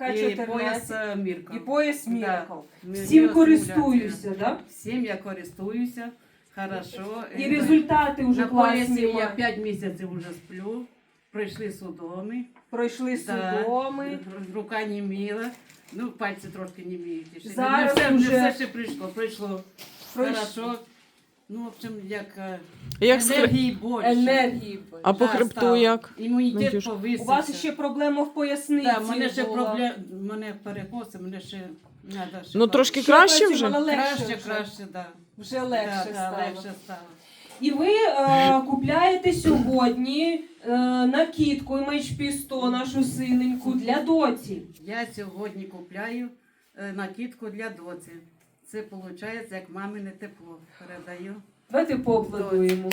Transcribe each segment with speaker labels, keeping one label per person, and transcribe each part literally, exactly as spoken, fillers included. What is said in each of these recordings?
Speaker 1: і
Speaker 2: чотирнадцять.
Speaker 1: пояс е, Міркл.
Speaker 2: І пояс
Speaker 1: Да.
Speaker 2: Міркл.
Speaker 1: Ми-
Speaker 2: Всім
Speaker 1: біостимуляція.
Speaker 2: користуюся, да?
Speaker 1: Всім я користуюся, хорошо.
Speaker 2: І
Speaker 1: Е,
Speaker 2: результати вже
Speaker 1: на поясі
Speaker 2: класні.
Speaker 1: я
Speaker 2: маю.
Speaker 1: п'ять місяців вже сплю, пройшли судоми.
Speaker 2: Пройшли
Speaker 1: Да.
Speaker 2: судоми.
Speaker 1: Рука не міла, ну пальці трошки не міють. ще.
Speaker 2: Зараз
Speaker 1: не все,
Speaker 2: уже-
Speaker 1: не все ще прийшло, прийшло.
Speaker 2: Пройш-
Speaker 1: Хорошо. Ну, в общем, як, е,
Speaker 3: Як з хреб-
Speaker 1: енергії більше.
Speaker 2: Енергії.
Speaker 3: А по
Speaker 1: Да,
Speaker 3: хребту
Speaker 1: стало.
Speaker 3: як?
Speaker 1: Імунітет
Speaker 3: Надюш?
Speaker 1: повисився.
Speaker 2: У вас ще проблема в поясниці
Speaker 1: Да, мене ще
Speaker 2: була.
Speaker 1: проблем, мене перекоси, мене ще надо ще
Speaker 3: Ну
Speaker 1: пар-
Speaker 3: трошки
Speaker 2: Ще
Speaker 3: краще вже?
Speaker 2: працювала, легше
Speaker 1: краще,
Speaker 2: вже.
Speaker 1: краще, да.
Speaker 2: Вже легше
Speaker 1: да, да,
Speaker 2: стало.
Speaker 1: легше стало.
Speaker 2: І ви е, купляєте сьогодні е, накидку ем ейч пі сто, нашу синеньку, для доці.
Speaker 1: Я сьогодні купляю е, накидку для доці. Це виходить, як мамине тепло передаю.
Speaker 2: Давайте поаплодуємо.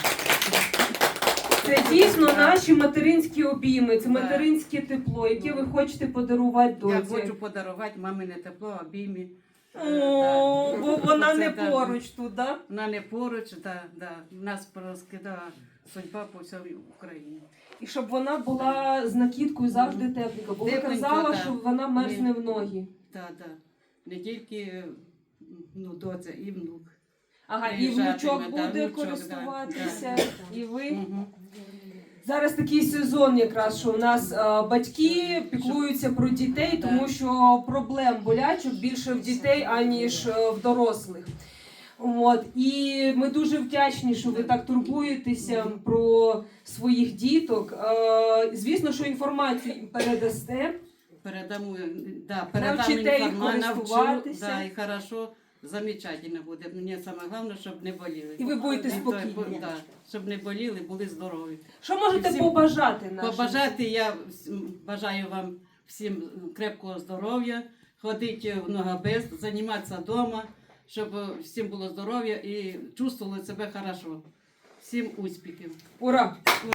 Speaker 2: Це дійсно наші материнські обійми, це
Speaker 1: Да.
Speaker 2: материнське тепло, яке ви хочете подарувати
Speaker 1: Я
Speaker 2: доці.
Speaker 1: хочу подарувати мамине тепло, обіймі. Е,
Speaker 2: О,
Speaker 1: да.
Speaker 2: бо вона
Speaker 1: Це
Speaker 2: не
Speaker 1: да.
Speaker 2: поруч тут, да?
Speaker 1: Вона не поруч, да, да. Нас розкидала судьба по всій Україні.
Speaker 2: І щоб вона була з накидкою завжди тепленька, бо ви
Speaker 1: Тепленька,
Speaker 2: казала,
Speaker 1: да.
Speaker 2: що вона мерзне в ноги.
Speaker 1: Так, так. Не тільки ну, доця, і внук.
Speaker 2: Ага, і
Speaker 1: Приїжджатиме,
Speaker 2: внучок
Speaker 1: да,
Speaker 2: буде
Speaker 1: внучок,
Speaker 2: користуватися,
Speaker 1: да,
Speaker 2: і ви.
Speaker 1: Угу.
Speaker 2: Зараз такий сезон якраз, що у нас а, батьки піклуються про дітей, тому що проблем болячок більше в дітей, аніж е, в дорослих. От. І ми дуже вдячні, що ви так турбуєтеся про своїх діток. Е, Звісно, що інформацію їм передасте.
Speaker 1: Передамо, да, передам
Speaker 2: Навчите їх
Speaker 1: інформацію, навчу,
Speaker 2: користуватися.
Speaker 1: да, і хорошо, замечательно буде. Мені саме головне, щоб не боліли.
Speaker 2: І ви будете
Speaker 1: І то-
Speaker 2: спокійні.
Speaker 1: Да, щоб не боліли, були здорові.
Speaker 2: Що можете
Speaker 1: Всім
Speaker 2: побажати нашим?
Speaker 1: Побажати я всім- бажаю вам всім крепкого здоров'я, ходити в ногабез, займатися вдома, щоб всім було здоров'я і чувствували себе хорошо. Всім успіхів.
Speaker 2: Ура!